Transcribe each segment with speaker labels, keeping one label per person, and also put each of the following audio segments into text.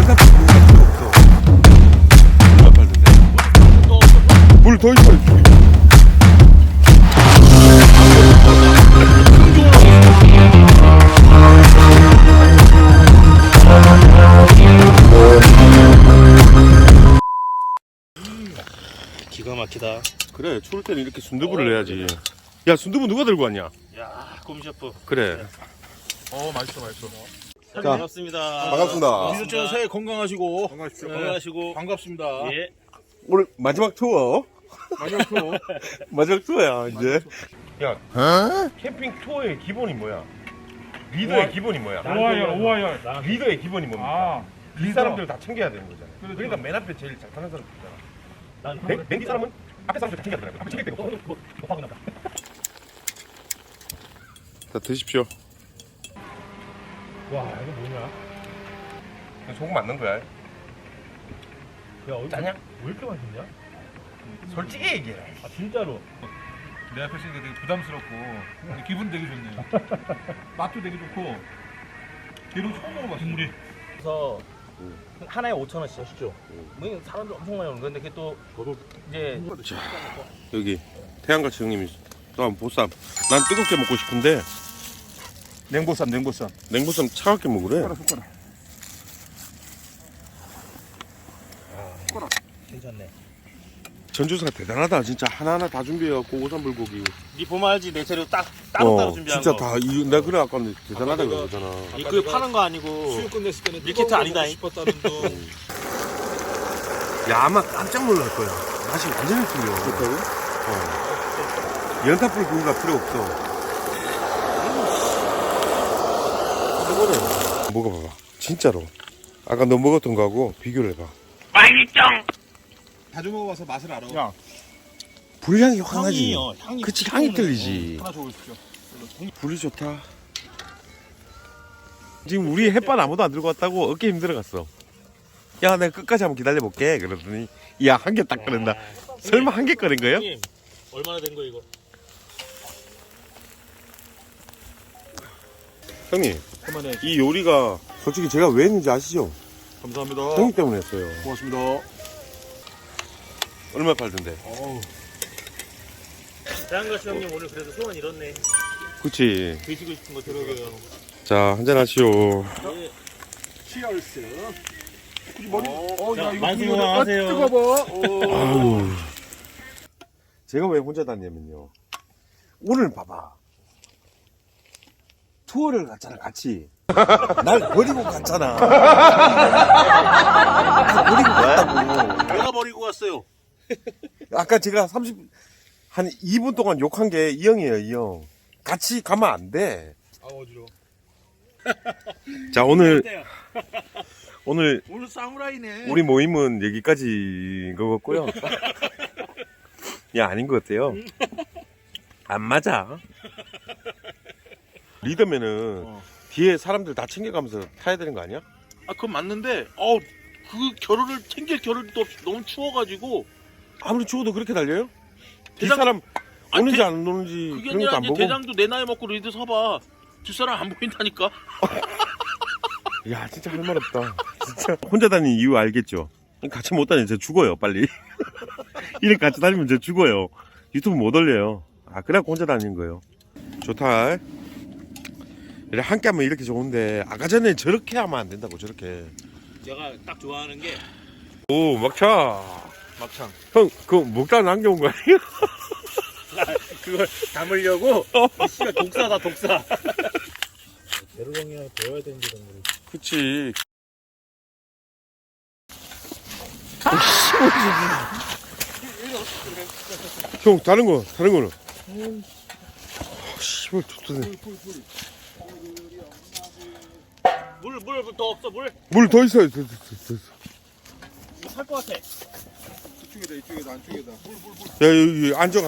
Speaker 1: 연탄 필요 없어. 얼마 팔던데? 물 더 있어.
Speaker 2: 기가 막히다.
Speaker 1: 그래, 추울 때는 이렇게 순두부를 내야지. 야, 순두부 누가 들고 왔냐?
Speaker 2: 야, 곰셰프.
Speaker 1: 그래.
Speaker 3: 맛있어.
Speaker 1: 자,
Speaker 2: 반갑습니다.
Speaker 1: 반갑습니다.
Speaker 3: 미소촌 새해 건강하시고
Speaker 2: 건강하시고.
Speaker 3: 반갑습니다.
Speaker 2: 예.
Speaker 1: 오늘 마지막 투어.
Speaker 3: 마지막 투어.
Speaker 1: 마지막 투어야, 이제. 야, 캠핑 투어의 기본이 뭐야? 리더의 기본이 뭐야?
Speaker 3: 오하열.
Speaker 1: 리더의 기본이 뭡니까? 이 사람들 다 챙겨야 되는 거잖아.
Speaker 3: 그렇죠.
Speaker 1: 그러니까 맨 앞에 제일 잘 타는 사람 있잖아.
Speaker 2: 난
Speaker 1: 맨 뒤 사람은 앞에 사람들 다 챙겨야 되는 거야. 앞에 챙길 데가 없어.
Speaker 2: 못하고 나다.
Speaker 1: 자, 드십시오.
Speaker 2: 와, 이거 뭐냐?
Speaker 1: 소금 맞는 거야.
Speaker 2: 야,
Speaker 1: 짜냐?
Speaker 2: 왜 이렇게 맛있냐?
Speaker 1: 솔직히 얘기해.
Speaker 2: 아, 진짜로.
Speaker 3: 내 앞에 있으니까 되게 부담스럽고 근데 기분 되게 좋네요. 맛도 되게 좋고 게로 처음 먹어봤어. 국물이.
Speaker 2: 그래서 하나에 5,000원씩 하시죠. 뭐 사람들 엄청 많이 오는 건데 그게 또 이제
Speaker 1: 여기 태양같이 형님이 또 한 보쌈. 난 뜨겁게 먹고 싶은데
Speaker 3: 냉보쌈.
Speaker 1: 냉보쌈 차갑게 먹으래.
Speaker 2: 괜찮네.
Speaker 1: 전주사가 대단하다. 진짜 하나하나 다 준비해갖고 오삼 불고기.
Speaker 2: 니 보면 알지 내 재료 따로따로 준비한
Speaker 1: 진짜
Speaker 2: 거.
Speaker 1: 다 내가 그래 아까 대단하다 그러잖아.
Speaker 2: 그 파는 거 아니고.
Speaker 3: 수육 끝냈을 때는
Speaker 2: 밀키트 아니다.
Speaker 3: 싶었다는 둥.
Speaker 1: 야, 아마 깜짝 놀랄 거야. 맛이 완전히 틀려. 연탄불 구이가 필요 없어. 이거는 먹어봐봐. 진짜로. 아까 너 먹었던 거하고 비교를 해봐.
Speaker 3: 자주 먹어봐서 맛을 알아.
Speaker 1: 야, 불향이 확나지.
Speaker 2: 향이.
Speaker 1: 그치, 향이 틀리지.
Speaker 3: 하나 줘보십시오.
Speaker 1: 불이 좋다. 지금 우리 햇반 아무도 안 들고 왔다고 어깨 힘들어갔어. 야, 내가 끝까지 한번 기다려볼게. 그러더니 야, 한 개 딱 꺼낸다. 설마 한 개 꺼낸 거예요?
Speaker 2: 형님, 얼마나 된 거 이거?
Speaker 1: 형님,
Speaker 3: 그만해.
Speaker 1: 이 요리가 솔직히 제가 왜 했는지 아시죠?
Speaker 3: 감사합니다.
Speaker 1: 형님 때문에 했어요.
Speaker 3: 고맙습니다.
Speaker 1: 얼마 팔던데?
Speaker 2: 대한가시 형님 오늘 그래도 소원 이렇네.
Speaker 1: 그치.
Speaker 2: 드시고 싶은 거 들어줘요.
Speaker 1: 자, 한잔 하시오.
Speaker 2: 예.
Speaker 3: 치얼스.
Speaker 2: 자, 만수무강하세요.
Speaker 1: 아유. 제가 왜 혼자 다녔냐면요. 오늘 봐봐. 투어를 갔잖아, 같이. 날 버리고 갔잖아. 날 버리고 갔다고.
Speaker 2: 내가 버리고 갔어요.
Speaker 1: 아까 제가 한 2분 동안 욕한 게 이 형이에요, 이 형. 같이 가면 안 돼.
Speaker 3: 아, 어지러워.
Speaker 1: 자, 오늘
Speaker 3: 오늘 사무라이네.
Speaker 1: 우리 모임은 여기까지인 것 같고요. 야, 아닌 것 같아요. 안 맞아. 리더면은 뒤에 사람들 다 챙겨가면서 타야 되는 거 아니야?
Speaker 2: 아, 그건 맞는데, 그 겨를을 챙길 겨를도 없이 너무 추워가지고.
Speaker 1: 아무리 추워도 그렇게 달려요? 뒤
Speaker 2: 대장-
Speaker 1: 사람
Speaker 2: 아니,
Speaker 1: 오는지 안 오는지
Speaker 2: 그게
Speaker 1: 그런 것도
Speaker 2: 아니라
Speaker 1: 안
Speaker 2: 이제
Speaker 1: 보고.
Speaker 2: 대장도 내 나이 먹고 리드 서봐. 뒷사람 안 보인다니까.
Speaker 1: 야, 진짜 할 말 없다. 진짜 혼자 다니는 이유 알겠죠? 같이 못 다니면 저 죽어요, 빨리. 이렇게 같이 다니면 저 죽어요. 유튜브 못 올려요. 아, 그래갖고 혼자 다니는 거예요. 좋다. 이래 함께 하면 이렇게 좋은데 아까 전에 저렇게 하면 안 된다고, 저렇게.
Speaker 2: 내가 딱 좋아하는 게
Speaker 1: 오, 막차.
Speaker 3: 막창.
Speaker 1: 형, 그거 먹다 남겨온 거 아니에요?
Speaker 2: 그걸 담으려고 이 씨가 독사다 독사. 대로 형이랑 배워야 되는 게 정말.
Speaker 1: 그치. 형, 다른 거는. 씨발, 좋다네.
Speaker 2: 물 더 없어 물.
Speaker 1: 물 더 있어요, 더 있어.
Speaker 2: 살 것 같아.
Speaker 3: 이쪽에다 안쪽에다.
Speaker 1: 야, 여기 앉아.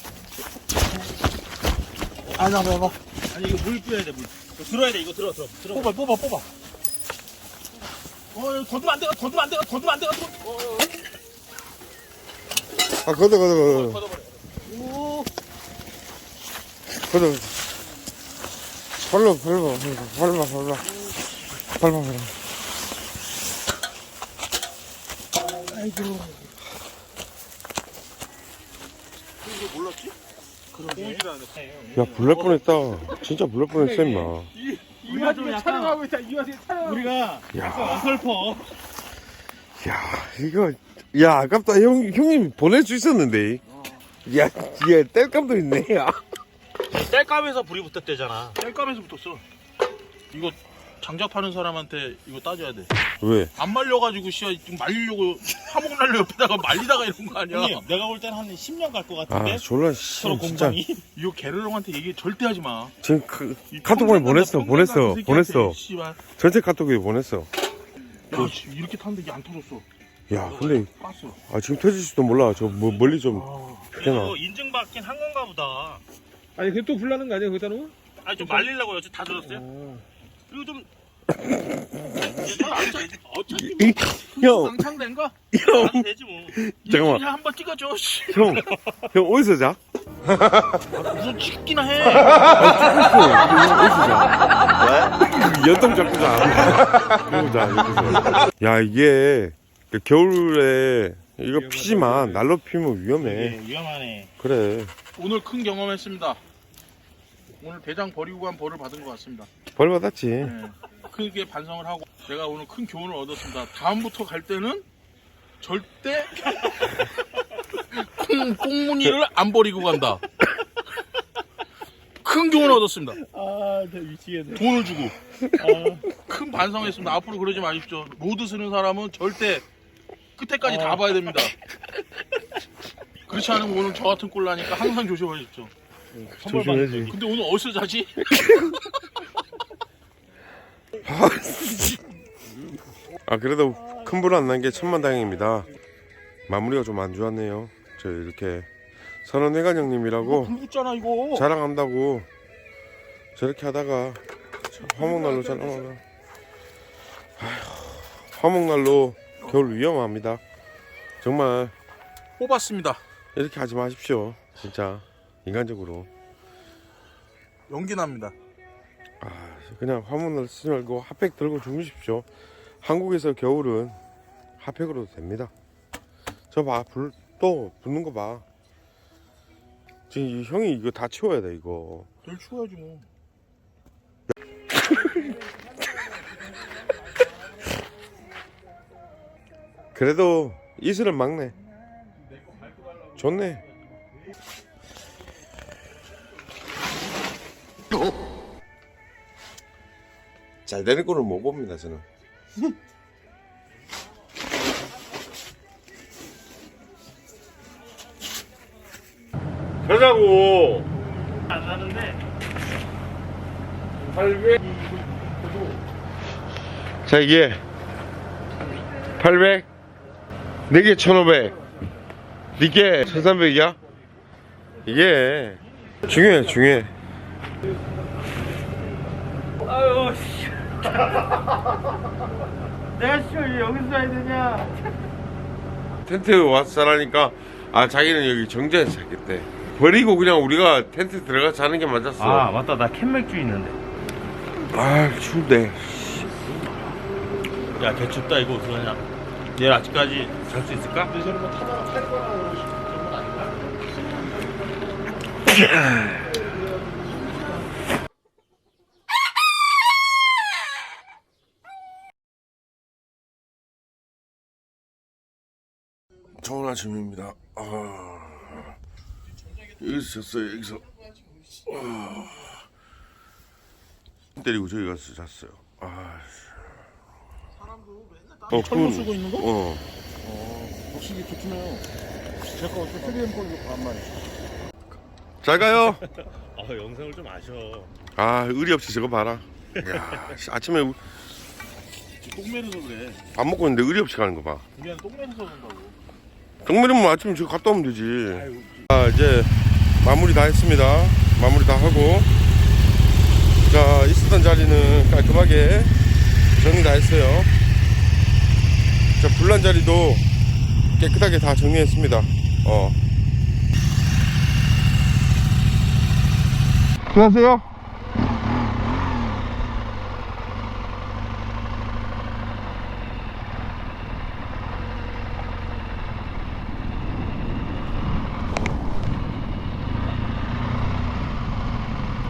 Speaker 2: 아니 이거 물 뿌려야 돼 물. 이거 들어야 돼 이거 들어. 뽑아. 이거 걷으면 안 돼.
Speaker 1: 아, 걷어.
Speaker 2: 걷어버려. 오.
Speaker 1: 걷어. 발로.
Speaker 2: 아이고. 이거 몰랐지? 그러게.
Speaker 1: 야, 불날 뻔했다. 진짜 불날 뻔했어, 임마.
Speaker 2: 이 와중에 촬영하고 있다. 이 와중에 촬영. 우리가
Speaker 1: 야,
Speaker 2: 어설퍼.
Speaker 1: 야, 이거, 야, 아깝다. 형님 보낼 수 있었는데. 야, 얘 뗄감도 있네, 야.
Speaker 2: 땔감에서 불이 붙었대잖아. 땔감에서 붙었어. 이거 장작 파는 사람한테 이거 따져야 돼.
Speaker 1: 왜?
Speaker 2: 안 말려가지고 씨야 좀 말리려고 화목 날려 옆에다가 말리다가 이런 거 아니야?
Speaker 4: 형님, 내가 볼 때는 한 10년 갈 것
Speaker 1: 아,
Speaker 4: 같은데.
Speaker 1: 졸라,
Speaker 4: 서로
Speaker 1: 진짜.
Speaker 4: 공방이.
Speaker 2: 이거 게르롱한테 얘기 절대 하지 마.
Speaker 1: 지금 카톡방에 보냈어. 보냈어.
Speaker 2: 씨발.
Speaker 1: 전체 카톡에 보냈어.
Speaker 2: 야, 씨, 이렇게 탔는데 이게 안 터졌어.
Speaker 1: 야, 근데,
Speaker 2: 깠어.
Speaker 1: 아, 지금 터질지도 몰라. 저, 멀리 좀, 되나?
Speaker 4: 그래도 인증받긴 한 건가 보다.
Speaker 3: 아니 그게 또 불나는 거 아니야 거기다 놓으면?
Speaker 4: 아니 좀 말리려고 여지 다 젖었어요? 그리고 좀 어차피
Speaker 1: 형,
Speaker 2: 낭창된 거?
Speaker 4: 하면 되지 뭐.
Speaker 1: 잠깐만.
Speaker 2: 그냥 한번 찍어줘. 씨.
Speaker 1: 형, 어디서 자?
Speaker 2: 무슨 찍기나 해.
Speaker 1: 어디서 자? 연동 잡고 자. 그러고 자, 여기서. 야, 이게, 겨울에, 이거 피지만, 날로 피면 위험해.
Speaker 4: 네, 위험하네.
Speaker 1: 그래.
Speaker 2: 오늘 큰 경험했습니다. 오늘 대장 버리고 간 벌을 받은 것 같습니다.
Speaker 1: 벌 받았지.
Speaker 2: 네. 크게 반성을 하고 제가 오늘 큰 교훈을 얻었습니다. 다음부터 갈 때는 절대 꽁무니를 안 버리고 간다. 큰 교훈을 얻었습니다.
Speaker 4: 아, 나 미치겠네.
Speaker 2: 돈을 주고 큰 반성했습니다. 앞으로 그러지 마십시오. 로드 쓰는 사람은 절대 끝에까지 다 봐야 됩니다. 그렇지 않으면 오늘 저 같은 꼴 나니까 항상 조심하십시오.
Speaker 1: 조심해야지.
Speaker 2: 근데 오늘 어디서 자지?
Speaker 1: 아, 그래도 큰 불 안 난 게 천만다행입니다. 마무리가 좀 안 좋았네요. 저 이렇게 선원회관 형님이라고
Speaker 2: 불 붙잖아 이거.
Speaker 1: 자랑한다고 저렇게 하다가 화목난로 자랑하다. 화목난로 겨울 위험합니다. 정말
Speaker 2: 뽑았습니다.
Speaker 1: 이렇게 하지 마십시오. 진짜 인간적으로.
Speaker 2: 연기 납니다.
Speaker 1: 아, 그냥 화목난로 쓰지 말고 핫팩 들고 주무십시오. 한국에서 겨울은 핫팩으로도 됩니다. 저 봐, 불 또 붙는 거 봐. 지금 이 형이 이거 다 치워야 돼 이거.
Speaker 2: 널 추워야지 뭐.
Speaker 1: 그래도 이슬은 막네. 좋네. 잘 되는 거는 못 봅니다 저는. 가자고.
Speaker 4: 안 나는데.
Speaker 1: 자, 이게 800, 4개 1500, 니께 1300이야? 이게 중요해.
Speaker 4: 아유, 씨. 내가 씨 여기서 해야 되냐?
Speaker 1: 텐트 와서 자라니까 아, 자기는 여기 정자에서 자겠대. 버리고 그냥 우리가 텐트 들어가서 자는 게 맞았어.
Speaker 4: 아, 맞다. 나 캔맥주 있는데.
Speaker 1: 아, 추운데.
Speaker 4: 야, 개춥다. 이거 어떡하냐? 내일 아침까지 잘 수 있을까?
Speaker 2: 근데 저는 뭐 타다가 탈거나 그런 건 아닌가?
Speaker 1: 좋은 아침입니다. 여기서 잤어요. 여기서 때리고 저기 가서 잤어요.
Speaker 2: 철로 쓰고 있는 거?
Speaker 3: 확실히 좋네요. 제거 휴대폰 걸로 반만.
Speaker 1: 잘 가요.
Speaker 4: 영상을 좀 아셔.
Speaker 1: 아, 의리 없이 저거 봐라. 야, 아침에
Speaker 2: 똥매려서 그래.
Speaker 1: 밥 먹고 있는데 의리 없이 가는 거 봐.
Speaker 2: 우리는 똥매려서 그런다고.
Speaker 1: 정면이면 아침에 저거 갔다 오면 되지. 자, 이제 마무리 다 했습니다. 마무리 다 하고, 자, 있었던 자리는 깔끔하게 정리 다 했어요. 자, 불난 자리도 깨끗하게 다 정리했습니다. 안녕하세요.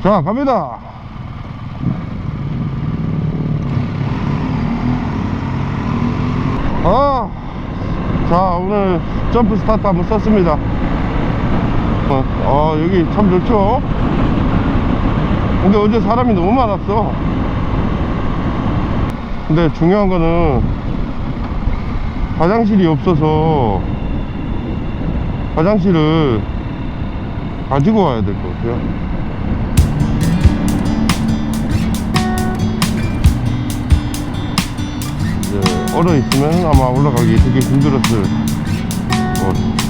Speaker 5: 자, 갑니다. 자, 오늘 점프 스타트 한번 썼습니다. 여기 참 좋죠? 근데 어제 사람이 너무 많았어. 근데 중요한 거는 화장실이 없어서 화장실을 가지고 와야 될 것 같아요. 이제 얼어 있으면 아마 올라가기 되게 힘들었을 것 같아요.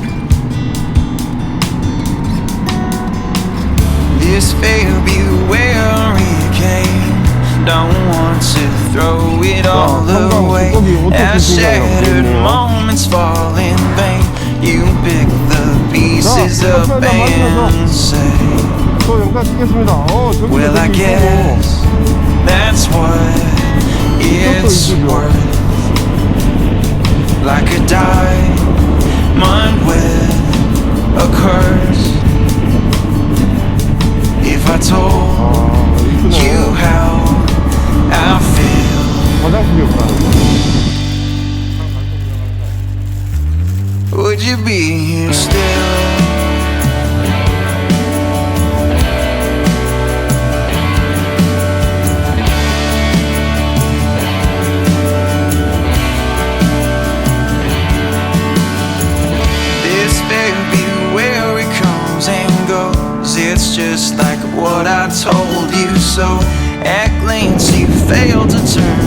Speaker 6: This February came, don't want to throw it all away. As shattered moments fall in vain, you pick the pieces up and say,
Speaker 5: 또 영상 찍겠습니다.
Speaker 6: well, I guess that's what it's worth. Like a diamond with a curse. If I told you how I feel,
Speaker 5: 화장실이 없다.
Speaker 6: would you be here still? This February comes and goes, it's just like what I told you. So at glance you failed to turn